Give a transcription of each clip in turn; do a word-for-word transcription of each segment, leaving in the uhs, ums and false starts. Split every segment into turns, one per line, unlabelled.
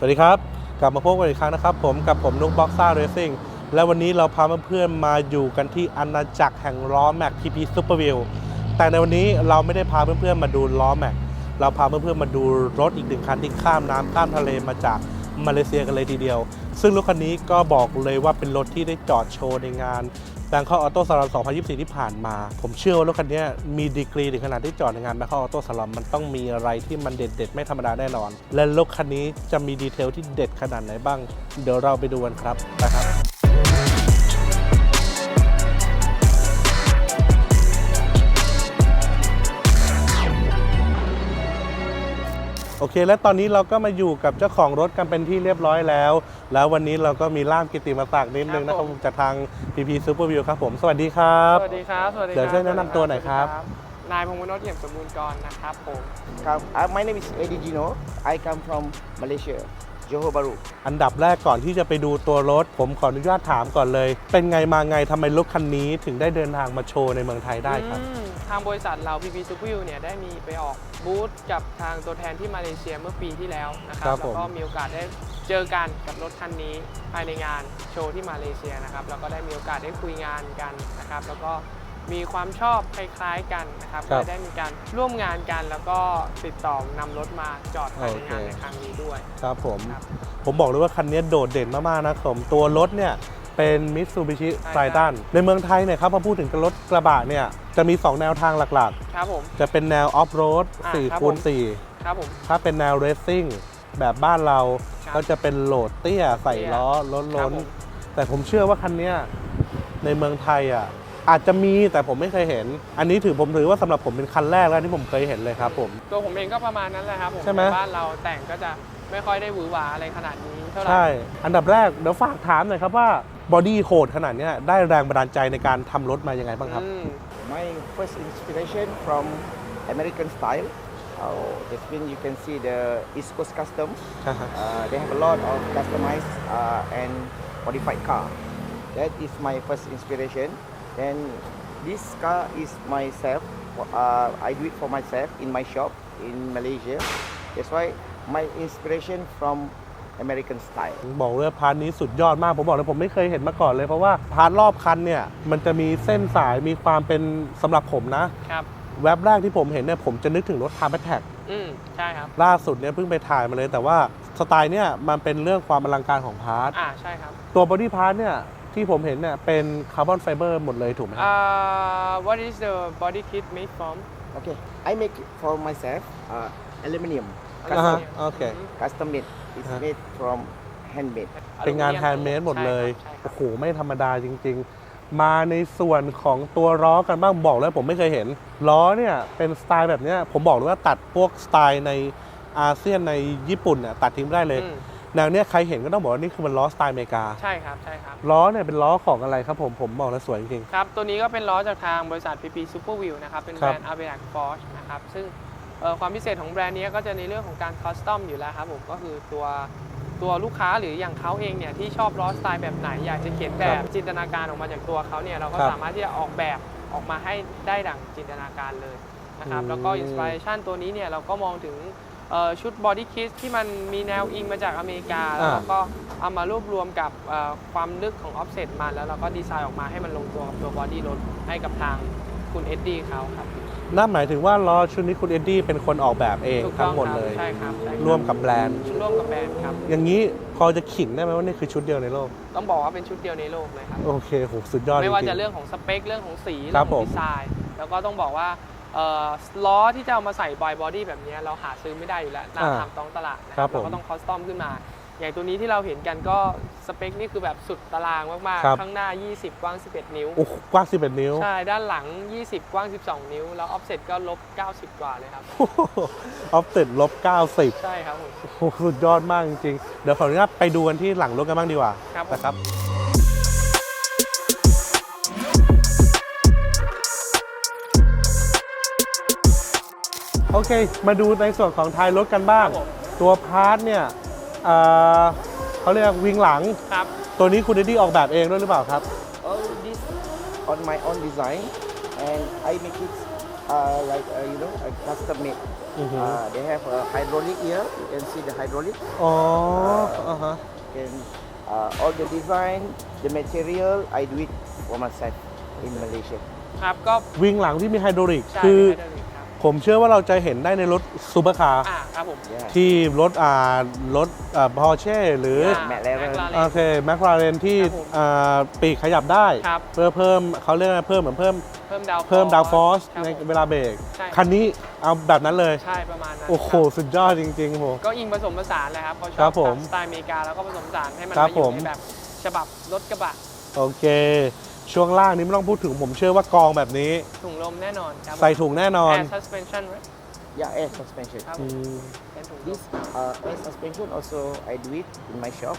วัสดีครับกลับมาพบกันอีกครั้งนะครับผมกับผมนุกบ็อกซ่าเรซิ่งและวันนี้เราพาเพื่อนๆมาอยู่กันที่อาณาจักรแห่งล้อแม็ก พี พี Super Wheel แต่ในวันนี้เราไม่ได้พาเพื่อนๆมาดูล้อแม็กเราพาเพื่อนๆมาดูรถอีกหนึ่งคันที่ข้ามน้ำข้ามทะเลมาจากมาเลเซียกันเลยทีเดียวซึ่งรถคันนี้ก็บอกเลยว่าเป็นรถที่ได้จอดโชว์ในงานBangkok Auto Salon สองพันยี่สิบสี่ที่ผ่านมาผมเชื่อว่ารถคันนี้มีดีกรีถึงขนาดที่จอดในงาน Bangkok Auto Salon มันต้องมีอะไรที่มันเด็ดๆไม่ธรรมดาแน่นอนและรถคันนี้จะมีดีเทลที่เด็ดขนาดไหนบ้างเดี๋ยวเราไปดูกันครับนะครับโอเคและตอนนี้เราก็มาอยู่กับเจ้าของรถกันเป็นที่เรียบร้อยแล้วแล้ววันนี้เราก็มีล่ามกิตติมศักดิ์นิดนึงนะครับจากทาง พี พี Super Wheel ครับผมสวัสดีครับ
สวัสดีครับสวัสดีครับ
เดี๋ยวช่วยแนะนำตัวหน่อยครับ
นายพงษ์วโนชเอี่ยมสมบูรณ์กรนะครับผม
ครับ My name is Eddie Gino I come from Malaysia Johor Bahru
อันดับแรกก่อนที่จะไปดูตัวรถผมขออนุญาตถามก่อนเลยเป็นไงมาไงทำไมรถคันนี้ถึงได้เดินทางมาโชว์ในเมืองไทยได้ครับ
ทางบริษัทเรา พี พี Super Wheel เนี่ยได้มีไปออกบูธกับทางตัวแทนที่มาเลเซียเมื่อปีที่แล้วนะครับแล้วก็มีโอกาสได้เจอกันกับรถคันนี้ภายในงานโชว์ที่มาเลเซียนะครับแล้วก็ได้มีโอกาสได้คุยงานกันนะครับแล้วก็มีความชอบคล้ายๆกันนะครับก็ได้มีการร่วมงานกันแล้วก็ติดต่อนำรถมาจอดภายในงานในครั้งนี้ด้วย
ครับผมผมบอกเลยว่าคันนี้โดดเด่นมากๆนะผมตัวรถเนี่ยเป็น Mitsubishi Triton ในเมืองไทยเนี่ยครับพอพูดถึงรถกระบะเนี่ยจะมีสองแนวทางหลัก
ๆครับผม
จะเป็นแนวออฟโรด สี่คูณ สี่
ครับผม
ถ้าเป็นแนวเรซซิ่งแบบบ้านเราก็จะเป็นโหลดเตี้ยใส่ล้อล้นล้นแต่ผมเชื่อว่าคันนี้ในเมืองไทยอ่ะอาจจะมีแต่ผมไม่เคยเห็นอันนี้ถือผมถือว่าสำหรับผมเป็นคันแรกแล้วที่ผมเคยเห็นเลยครับผม
ตัวผมเองก็ประมาณนั้นแหละครับผม
ใช่ไหม
บ้านเราแต่งก็จะไม่ค่อยได้หวือหวาอะไรขนาดนี้เท่าไหร่
ใช่อันดับแรกเดี๋ยวฝากถามหน่อยครับว่าบอดี้โหดขนาดนี้ได้แรงบันดาลใจในการทำรถมายังไงบ้างครับ
My first inspiration from American style oh, that's when you can see the East Coast Custom uh, they have a lot of customized uh, and modified car that is my first inspiration then this car is myself uh, I do it for myself in my shop in Malaysia that's why my inspiration from American style
บอกเลยพาร์ทนี้สุดยอดมากผมบอกเลยผมไม่เคยเห็นมาก่อนเลยเพราะว่าพาร์ทรอบคันเนี่ยมันจะมีเส้นสายมีความเป็นสำหรับผมนะครับแว็บแรกที่ผมเห็นเนี่ยผมจะนึกถึงรถ Time Attack
อืมใช่ครับ
ล่าสุดเนี่ยเพิ่งไปถ่ายมาเลยแต่ว่าสไตล์เนี่ยมันเป็นเรื่องความอลังการของพาร์ท
อ่าใช่ครับ
ตัวบอดี้พาร์ทเนี่ยที่ผมเห็นเนี่ยเป็นคาร์บอนไฟเบอร์หมดเลยถูกไหม
อ่า What is the body kit made from
Okay I make it for myself uh, aluminium
custom okay
custom made it's made from handmade
เป็นงานแฮนด์เมดหมดเลยโอ้โหไม่ธรรมดาจริงๆมาในส่วนของตัวล้อกันบ้างบอกแล้วผมไม่เคยเห็นล้อเนี่ยเป็นสไตล์แบบนี้ผมบอกเลยว่าตัดพวกสไตล์ในอาเซียนในญี่ปุ่นเนี่ยตัดทิ้งไม่ได้เลยแนวเนี้ยใครเห็นก็ต้องบอกว่านี่คือมันล้อสไตล์อเมริกา
ใช่ครับใช่ครับ
ล้อเนี่ยเป็นล้อของอะไรครับผมผมบอกแล้วสวยจริง
ๆครับตัวนี้ก็เป็นล้อจากทางบริษัท พี พี Super Wheel นะครับเป็นแบรนด์ Avenac Forge นะครับซึ่งความพิเศษของแบรนด์นี้ก็จะในเรื่องของการคอสตอมอยู่แล้วครับผมก็คือตัวตัวลูกค้าหรืออย่างเขาเองเนี่ยที่ชอบล้อสไตล์แบบไหนอยากจะเขียนแบบจินตนาการออกมาจากตัวเขาเนี่ยเราก็สามารถที่จะออกแบบออกมาให้ได้ดั่งจินตนาการเลยนะครับแล้วก็อินสปิเรชันตัวนี้เนี่ยเราก็มองถึงชุดบอดี้คิทที่มันมีแนวอิงมาจากอเมริกาแล้วก็เอามารวบรวมกับความลึกของออฟเซ็ตมาแล้วเราก็ดีไซน์ออกมาให้มันลงตัวกับตัวบอดี้รถให้กับทางคุณเอ็ดดี้เขาครับ
นั่นหมายถึงว่าล้อชุดนี้คุณเอ็ดดี้เป็นคนออกแบบเองทั้งหมดเลย
ใช่ครับ
ร่วมกับแบรนด์
ร่วมกับแบรนด์ครับ
อย่างนี้พอจะขิงได้ไหมว่านี่คือชุดเดียวในโลก
ต้องบอกว่าเป็นชุดเดียวในโลกเลยครับ
โอเคโหสุดยอด
ไม่ว่าจะเรื่องของสเปคเรื่องของสีเรื่องของดีไซน์แล้วก็ต้องบอกว่าล้อที่จะเอามาใส่บอยบอดี้แบบนี้เราหาซื้อไม่ได้อยู่แล้วตามตามตลาดนะครับเราก็ต้องคอสตอมขึ้นมาอย่างตัวนี้ที่เราเห็นกันก็สเปคนี่คือแบบสุดตารางมากๆข้างหน้ายี่สิบกว้างสิบเอ็ดนิ้ว
โอ้กว้างสิบเอ็ดนิ้ว
ใช่ด้านหลังยี่สิบกว้างสิบสองนิ้วแล้วออฟเซ็ตก็ลบเก้าสิบกว่าเลยครับ
ออฟเซ็ตลบเก้าสิบ
ใช่ครับผม
โอ้สุดยอดมากจริงๆเดี๋ยวขออนุญาตไปดูกันที่หลังรถกันบ้างดีกว่านะครับโอเคมาดูในส่วนของท้ายรถกันบ้างตัวพาร์ทเนี่ยเขาเรียกวิงหลัง
ครับ
ตัวนี้คุณเดดดี้ออกแบบเองด้วยหรือเปล่าครับ
All this on my own design and I make it uh, like uh, you know, a custom made.
Mhm.
Uh, they have a hydraulic here. You can see the hydraulic.
อ๋ออ่าฮะ
Can uh, all the design, the material, I do it for myself in Malaysia.
ครับก็
วิงหลังที่มีไฮดรอลิก
ใช่
คือ
ไฮดรอลิกครับ
ผมเชื่อว่าเราจะเห็นได้ในรถซูเปอร์คาร์
อ่าครับผม
Yeah.
ที่รถอ่ารถอ่าพอร์เช่หรือ
อ่า
McLaren
โอเคแมคลาเรนที่
ครับผม
อ่าปีกขยับได้
ครับ
เพื่อเพิ่มเขาเรียกอะไรเพิ่มเหมือนเพิ่ม
เพิ่มดาว
เพิ่มดาวฟอส
ครับ
ใน
ผม
เวลาเบรก
ใช่
คันนี้เอาแบบนั้นเลย
ใช่ประมาณนั้น
โอ้โห
ครับ
สุดยอดจริงๆโห
ก็อิงผสมผสานเลยครับเขาช
ครั
อบบ
ผม
สไตล์อเมริกาแล้วก็ผสมผสานให้มัน
ครับ
มาอยู่
ผม
ในแบบฉบับรถกระบะ
โอเค ช่วงล่างนี้ไม่ต้องพูดถึงผมเชื่อว่ากองแบบนี้
ถุงลมแน่นอนครับ
ใส่ถุงแน่นอน
แอร์ suspension ไว้
Yeah, air suspension.
ครับผ
อื
ม
ม
เป็นถุงลม
This uh, air suspension also I do it in my shop.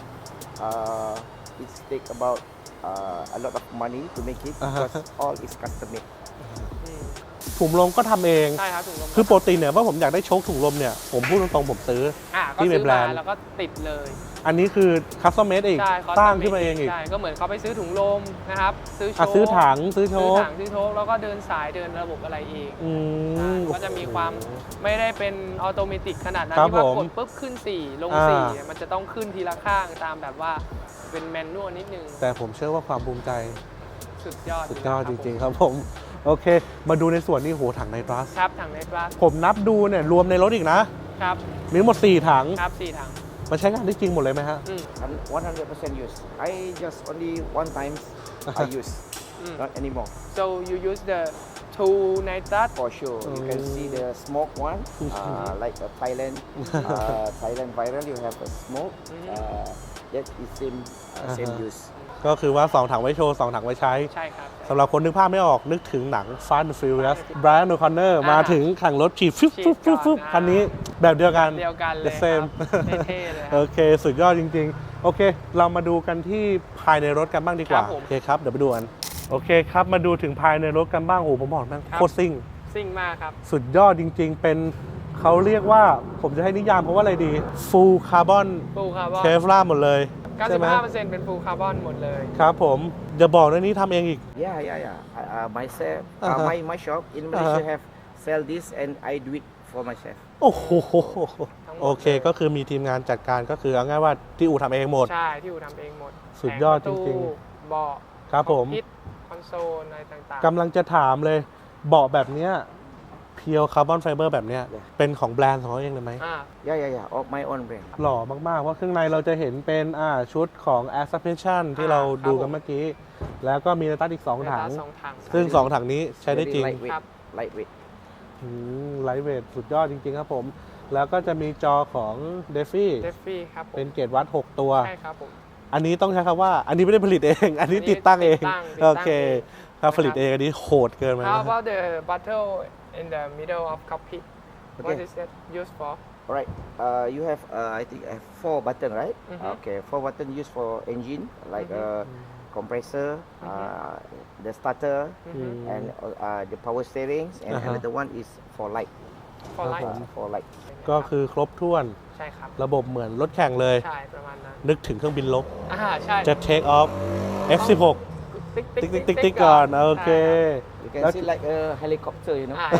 Uh, it take about uh, a lot of money to make it
Uh-huh.
because all is custom made.
อืม
ถุงลมก็ทำเอง
ใช่ครับถุงลม
คือปกติเนี่ยว่าผมอยากได้โชคถุงลมเนี่ย ผมพูดตรงๆผมซื้อ
อ่าก็
ที่เป็น
ซื้อ
แบร
มาน
ด์
แล้วก็ติดเลย
อันนี้คือคัสตอมเมดอีก
ใช่
สร้างขึ้นมาเองอีก
ใช่ก็เหมือนเขาไปซื้อถุงลมนะครับซื้อโช
อ่ะ
ว์
ซื้อถังซื้อโช
ซื้อ
ค
ถังซื้อโชคแล้วก็เดินสายเดินระบบอะไรเอง
อื
ใช่
ม
ก็จะมีความไม่ได้เป็นออโตเมติกขนาดนั้น
ครับ
ที่ว่า
ผม
กดปุ๊บขึ้นสี่ลง
อ่า
สี่มันจะต้องขึ้นทีละข้างตามแบบว่าเป็นแมนนวลนิดนึง
แต่ผมเชื่อว่าความภูมิใจ
สุดยอด
สุดยอด
เล
จ
คบ
ริงๆครับผม โอเค มาดูในส่วนนี้โหถังไนตรัส
ครับถังในกลาส
ผมนับดูเนี่ยรวมในรถอีกนะ
ครับ
มีทั้งหมดสี่ถัง
ครับสี่ถัง
มันใช้งานได้จริงหมดเลยไหมฮะ
อืม
I'm one hundred percent use. I just only one time I use,
อืม
not anymore.
so you use the two nitrat
For sure, you can see the smoke one, uh, like a Thailand, uh, Thailand viral. You have a smoke. Uh, that is same uh, same
Uh-huh.
use.
ก็คือว่า สอง ถังไว้โชว์ สอง ถังไว้ใช้
ใช่ครับ
สำหรับคนนึกภาพไม่ออกนึกถึงหนัง Fast and Furious Brian O'Connor
อ่า
มาถึงแข่งรถฉีดฟึบฟึบฟึบฟึบ
ฉีดก่อน
คันนี้แบบเดียวกัน
เดียวกันเลย
The same
ครับเท่ๆเลยค
โอ
รับ
เค สุดยอดจริง ๆ โอเค เรามาดูกันที่ภายในรถกันบ้างดีกว่า
ครับผม
โอเคครับ เดี๋ยวไปดูกัน โอเคครับ มาดูถึงภายในรถกันบ้างโอ้โหผมบอกนั่ง
ครับ
โคตรซิ่ง
ซิ่งมากครับ
สุดยอดจริง ๆ เป็นเขาเรียกว่าผมจะให้นิยามเพราะว่าอะไรดี Full Carbon
ฟูลคาร์บอน
Kevlar หมดเลยใช่ไหม
เก้าสิบห้าเปอร์เซ็นต์ เป็นฟูลคาร์บอนหมดเลย
ครับผมจะบอกนะนี้ทำเองอีก
Yeah, yeah, yeah. I, uh, myself, uh,
Uh-huh.
my my shop in Malaysia
Uh-huh.
have sell this, and I do it for myself.
โอ้โห
ทั้งหมด
โอเค
เลย
ก็คือมีทีมงานจัดการก็คือเอาง่ายว่าที่อู่ทำเองหมด
ใช่ ที่อู่ทำเองหมด
สุดยอด
แผประตู
จริง
เบาะ
ครับผม
พิษคอนโซลอะไรต่าง
กำลังจะถามเลยเบาะแบบเนี้ยเพียวคาร์บอนไฟเบอร์แบบเนี้ยเป็นของแบรนด์ของเขาเองเลยไหม
ๆอ่า
Yeah, yeah, yeah. Of my own brand.
หล่อมาก ๆ เพราะข้างในเราจะเห็นเป็นอ่าชุดของ Air Suspension ที่เราดูกันเมื่อกี้ แล้วก็มีไนตรัสอีก สอง ถัง
สองถัง
ซึ่ง สอง ถังนี้ใช้ได้
Very
จริง
lightweight.
ครับ
Lightweight.
ไลท์เวทสุดยอดจริง ๆ ครับผม แล้วก็จะมีจอของ d e f i
เดฟฟี่ครับผม
เป็นเกรดวัด หก ตัว
ใช่ครับผม
อันนี้ต้องใช้คำว่า อันนี้ไม่ได้ผลิตเอง อันนี้ติดตั้งเอง
ติดตั้ง
โอเค
ติดตั้งเอง
ถ้าผลิตเองอันนี้โหดเกินไป
How
นะ
about the bottle in the middle of cockpit What
Okay.
is that used for
All right. Uh, you have, uh, I think, I have four button, right?
Mhm.
Okay. Four button used for engine, like
Mhm.
uh, compressor, uh, the starter,
อืม
and uh, the power steerings, and
Uh-huh.
another one is for light.
for light
Uh, for light.
ก็คือครบถ้วน
ใช่ครับ
ระบบเหมือนรถแข่งเลย
ใช่ประมาณนั้น
นึกถึงเครื่องบินลบ
อ่าใช่
จะ take off เอฟ สิบหก
ติ๊ก
ติ๊กติ๊กติ๊กติ๊กก่อน โอเค
You can
That's-
see like a helicopter, you know.
อ่า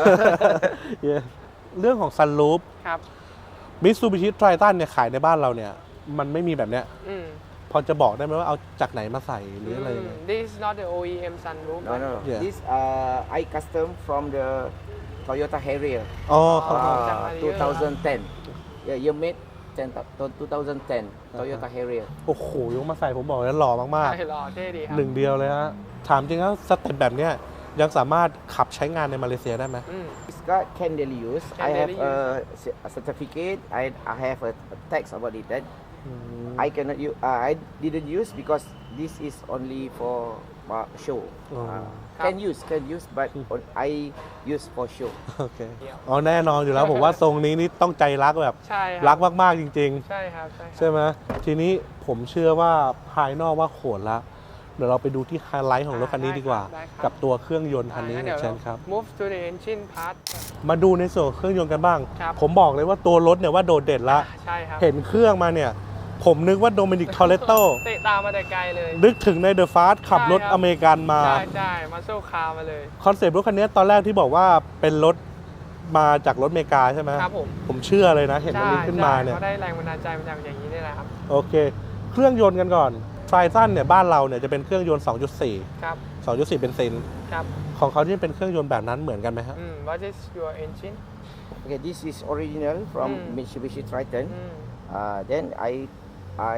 Yeah เรื่องของ sunroof
ครับ
Mitsubishi Triton เนี่ยขายในบ้านเราเนี่ย มันไม่มีแบบเนี้ย
อืม
พอจะบอกได้ไหมว่าเอาจากไหนมาใส่หรืออะไรยังไง
อืม This is not the โอ อี เอ็ม sunroof
No, no, no.
Yeah.
This uh, I custom from the Toyota Harrier,
อ๋อ
Oh.จาก
uh,
Harrier.
twenty ten. Yeah, year made ten, twenty ten Toyota Harrier.
โอ้โหยกมาใส่ผมบอกแล้วหล่อมาก
ใช่หล่อเท่ดีครั
ๆหนึ่งเดียวเลยฮะ ถามจริงแล้วสเต็ปแบบเนี้ยยังสามารถขับใช้งานในมาเลเซียได้ไหม
อืม
This car can daily use.
Can
I have
daily
a, c- a certificate. I, I have a, a text about it. That
อืม
I cannot use. Uh, I didn't use because this is only for uh, show.
Oh.
Uh, can use, can use, but on, I use for show.
โอเค อ๋อแน่นอนอยู่แล้วผมว่าทรงนี้นี่ต้องใจรักแบบ
ใช่ค
รั
รั
กมากๆจริง
ใช่ครับใช่ครับ
ๆ ใช่ไหมทีนี้ผมเชื่อว่าภายนอกว่าโขนละ เดี๋ยวเราไปดูที่ไฮไลท์ของรถคันนี้ดีกว่า
ได้ครับ
กับตัวเครื่องยนต์คันนี้
อ่างั้
เนี่ย
เดี๋ยว
เชิญครับ
move to the engine part
มาดูในส่วนของเครื่องยนต์กันบ้าง
ครับ
ผมบอกเลยว่าตัวรถเนี่ยว่าโดดเด่นละ
ใช่ครับ
เห็นเครื่องมาเนี่ยผมนึกว่าโดมินิก ทอเรโต
เตะตามมาแต่ไกลเลย
นึกถึงในเดอะฟาสขับรถ
ใช่ครับ
อเมริกันมา
ใช่ใช่มาโซคาร์มาเลย
คอนเซปต์รถคันนี้ตอนแรกที่บอกว่าเป็นรถมาจากรถอเมริกาใช่ไหม
ครับผม
ผมเชื่อเลยนะ เห็นอันนี้ขึ้นมาเนี่ย
ใช่เขาได้แรงบันดาลใจมาจากอย่างนี้นี่แหละครับ
โอเค เครื่องยนต์กันก่อนไทรซันเนี่ยบ้านเราเนี่ยจะเป็นเครื่องยนต์ สองจุดสี่
ครับ
สองจุดสี่ เบนซิน
ครับ
ของเขาที่เป็นเครื่องยนต์แบบนั้นเหมือนกันไหมฮะ
อืม what is your engine
Okay, this is original from
Mm.
Mitsubishi Triton.
อืม
Uh, then I, I,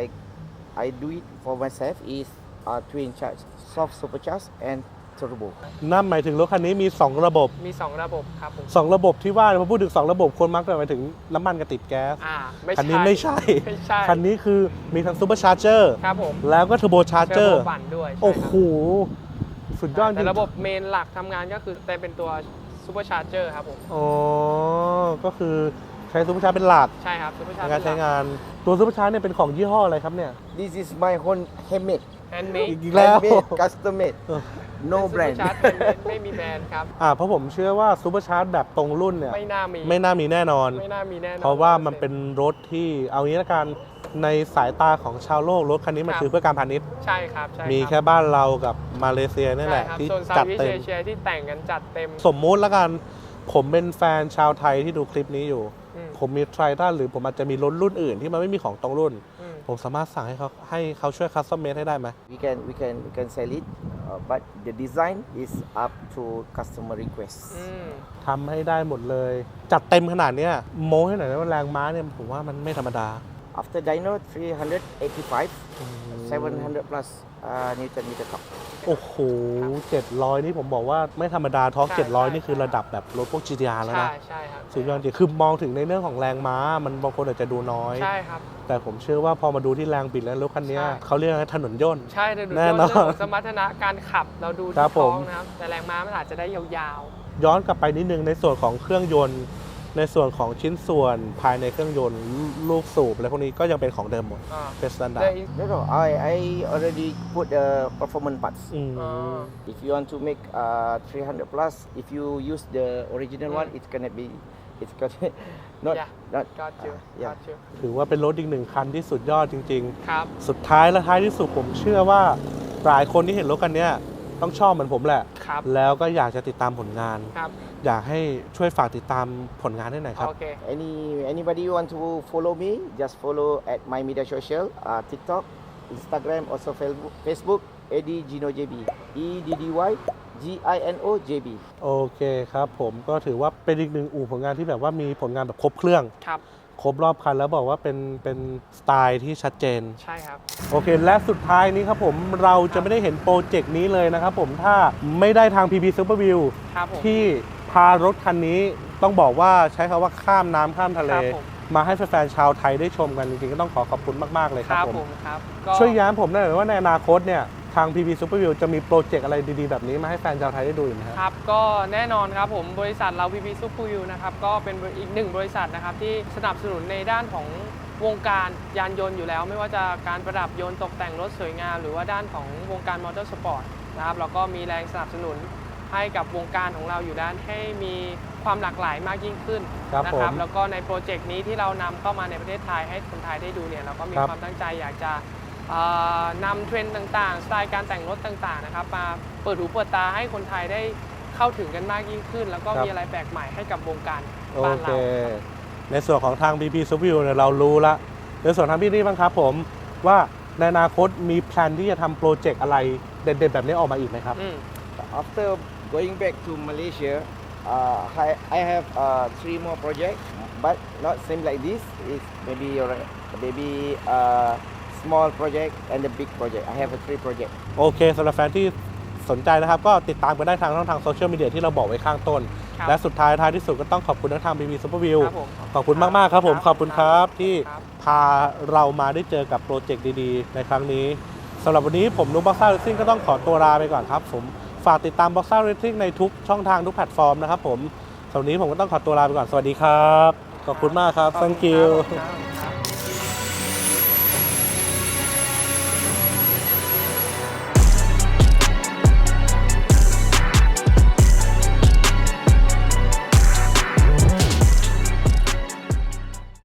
I do it for myself is uh, twin charge, soft supercharged and turbo.
นั่นหมายถึงรถคันนี้มี สอง ระบบ
มี สอง ระบบครับผม
สอง ระบบที่ว่าพอพูดถึง สอง ระบบคนมักจะหมายถึงน้ำมันกับติดแก๊ส
อ่าไม่
คันนี้ไม่ใช่
ไม่ใช่
คันนี้คือมีทั้งซูเปอร์ชาร์เจอร์
ครับผม
แล้วก็เทอร์โบชาร์เจอร์
ทร์โบปั่นด้วยใช่
โอ้
ค
โห
รับ
สุดยอดจ
แต่
ริง
ระบบเมนหลักทำงานก็คือแต่เป็นตัวซูเปอร์ชาร์เจอร์ครับผม
อ๋อ ก็คือใช้ซูเปอร์ชาร์จเป็นหลัก
ใช่ครับซูเปอร์ชา
ใน
ร์
การ
เจอ
ใช้
ร์
งาน ตัวซูเปอร์ชาร์จเนี่ยเป็นของยี่ห้ออะไรครับเนี่ย
This is my own handmade,
แฮนด์เมด
อีกแล้ว
handmade, custom made,
เออ
no
ซูเปอ
brand.
ร์ชาร์จไม่มีแบรนด์ครับ
อ่าเพราะผมเชื่อว่าซูเปอร์ชาร์จแบบตรงรุ่นเนี่ย
ไม่น่ามี
ไม่น่ามีแน่นอน
ไม่น่ามีแน่นอน
เพราะว่ามันเป็นรถที่เอางี้ละกันในสายตาของชาวโลกรถคันนี้มันคือเพื่อการพาณิชย์
ใช่ครับใช่รับ
มีแค่บ้านเรากับมาเลเซียนี่แหละ
ใช่ครับ
ที่
โซนซา
จัด
วิส
เต็ม
เอเชียที่แต่งกันจัดเต็ม
สมมุติละกัน ผมเป็นแฟนชาวไทยที่ดูคลิปนี้อยู่
อืม
ผมมีไทรทันหรือผมอาจจะมีรถรุ่นอื่นที่มันไม่มีของตรงรุ่น
อืม
ผมสามารถสั่งให้เขาให้เขาช่วยคัสตอมเมดให้ได้ไหม
We can, we can, we can sell it, uh, but the design is up to customer request.
อืม
ทำให้ได้หมดเลย จัดเต็มขนาดเนี้ยโม้ให้หน่อยนะว่าแรงม้าเนี่ยผมว่ามันไม่ธรรมดา
After dyno, three eighty-five, seven hundred plus uh, Newton meter torque.
โอ้โหเจ็ดร้อยนี่ผมบอกว่าไม่ธรรมดาท็อร์ก
ใช่
เจ็ดร้อย
ใช่
นี่คือระดับแบบรถพวก จี ที อาร์ แล้ว
ใช่
นะ
ใช่ครับ
สุดยอดจริงคือมองถึงในเรื่องของแรงม้า มันบางคนอาจจะดูน้อย
ใช่ครับ
แต่ผมเชื่อว่าพอมาดูที่แรงบิดแล้วรถคันเนี้ย
ใช่
เขาเรียกว่าถนนย่นต์
ใช่แต่ดู
แน่
เรื่อน ง
อน
ของสมรรถนะการขับเราดู
ครั
ที่
บผ
ท้อ
ม
งนะครับแต่แรงม้ามันอาจจะได้ยาว
ย้อนกลับไปนิดนึงในส่วนของเครื่องยนต์ ในส่วนของชิ้นส่วนภายในเครื่องยนต์ลูกสูบอะไรพวกนี้ก็ยังเป็นของเดิมหมด
ๆอ่า
เป็นสแตนดา
แต่
ร์ด
อิน
No, no, I, I already put the performance parts.
อืม
อ่า
If you want to make uh, three hundred plus, if you use the original
Mm.
one, it's gonna be, it's gonna not,
Yeah.
not.
got you
uh, yeah.
got you
ถือว่าเป็นรถอีกหนึ่งคันที่สุดยอดจริง
ครับ
ๆ สุดท้ายและท้ายที่สุดผมเชื่อว่าหลายคนที่เห็นรถคันเนี้ยต้องชอบเหมือนผมแหละ
ครับ
แล้วก็อยากจะติดตามผลงาน
ครับ
อยากให้ช่วยฝากติดตามผลงานให้หน่อยครับ
โอเค
Any anybody you want to follow me, just follow at my media social, uh, TikTok, Instagram, also Facebook, Facebook, Eddie Gino J B, E D D Y G I N O J B.
โอเคครับผมก็ถือว่าเป็นอีกหนึ่งอู่ผลงานที่แบบว่ามีผลงานแบบครบเครื่อง
ครับ
ครบรอบคันแล้วบอกว่าเป็นเป็นสไตล์ที่ชัดเจน
ใช่ครับ
โอเค และสุดท้ายนี้ครับผมเราจะไม่ได้เห็นโปรเจกต์นี้เลยนะครับผมถ้าไม่ได้ทาง พี พี Superview
ครับผม
ที่พารถคันนี้ต้องบอกว่าใช้คำว่าข้ามน้ำข้ามทะเล
ครับผม
มาให้แฟนๆชาวไทยได้ชมกันจริงๆก็ต้องขอขอบคุณมากๆเลย
ค
ครับ
รับ
ผม
ผมครับก็
ช่วยย้ำผมหน่อยว่าในอนาคตเนี่ยทาง พี พี Superview จะมีโปรเจกต์อะไรดีๆแบบนี้มาให้แฟนชาวไทยได้ดูอีกไหมครับ
ครับก็แน่นอนครับผมบริษัทเรา พี พี Super View นะครับก็เป็นอีกหนึ่งบริษัทนะครับที่สนับสนุนในด้านของวงการยานยนต์อยู่แล้ว ไม่ว่าจะการประดับยนต์ตกแต่งรถสวยงาม หรือว่าด้านของวงการมอเตอร์สปอร์ตนะครับเราก็มีแรงสนับสนุนให้กับวงการของเราอยู่ด้านให้มีความหลากหลายมากยิ่งขึ้น
ครับ
นะ
ผม
แล้วก็ในโปรเจกต์นี้ที่เรานำเข้ามาในประเทศไทยให้คนไทยได้ดูเนี่ยเราก็มี
ครับ
ความตั้งใจอยากจะเอ่อนำเทรนด์ต่างๆ สไตล์การแต่งรถต่างๆนะครับมาเปิดหูเปิดตาให้คนไทยได้เข้าถึงกันมากยิ่งขึ้น แล้วก็มีอะไรแปลกใหม่ให้กับวงการ
โอ
บ้าน
เค
เรา
ในส่วนของทาง พี พี Superview เนี่ยเรารู้ละในส่วนทางพี่นี่บ้างครับผมว่าในอนาคตมีแพลนที่จะทำโปรเจกต์อะไรเด็ดๆแบบนี้ออกมาอีกไหมครับ
อืม
After going back to Malaysia, uh, I, I have uh, three more projects, but not same like this. It's maybe a maybe a small project and a big project. I have a three project.
โอเคสำหรับแฟนที่สนใจนะครับ ก็ติดตามกันได้ทางช่องทางโซเชียลมีเดียที่เราบอกไว้ข้างต้น
ครับ
และสุดท้ายท้ายที่สุดก็ต้องขอบคุณทั้งทาง พี พี Superview
ครับผม
ขอบคุณมาก ๆ ครับผม ขอบคุณครับ ที่
ครับ
พาเรามาได้เจอกับโปรเจกต์ดี ๆ ในครั้งนี้สำหรับวันนี้ผมนุ๊กบ็อกซ่าเรซซิ่งก็ต้องขอตัวลาไปก่อนครับผมฝากติดตามบ็อกซ่าเรซซิ่งในทุกช่องทางทุกแพลตฟอร์มนะครับผมสำหรับวันนี้ผมก็ต้องขอตัวลาไปก่อนสวัสดีครับขอบคุณมากครับ thank you
ขอบคุณครับ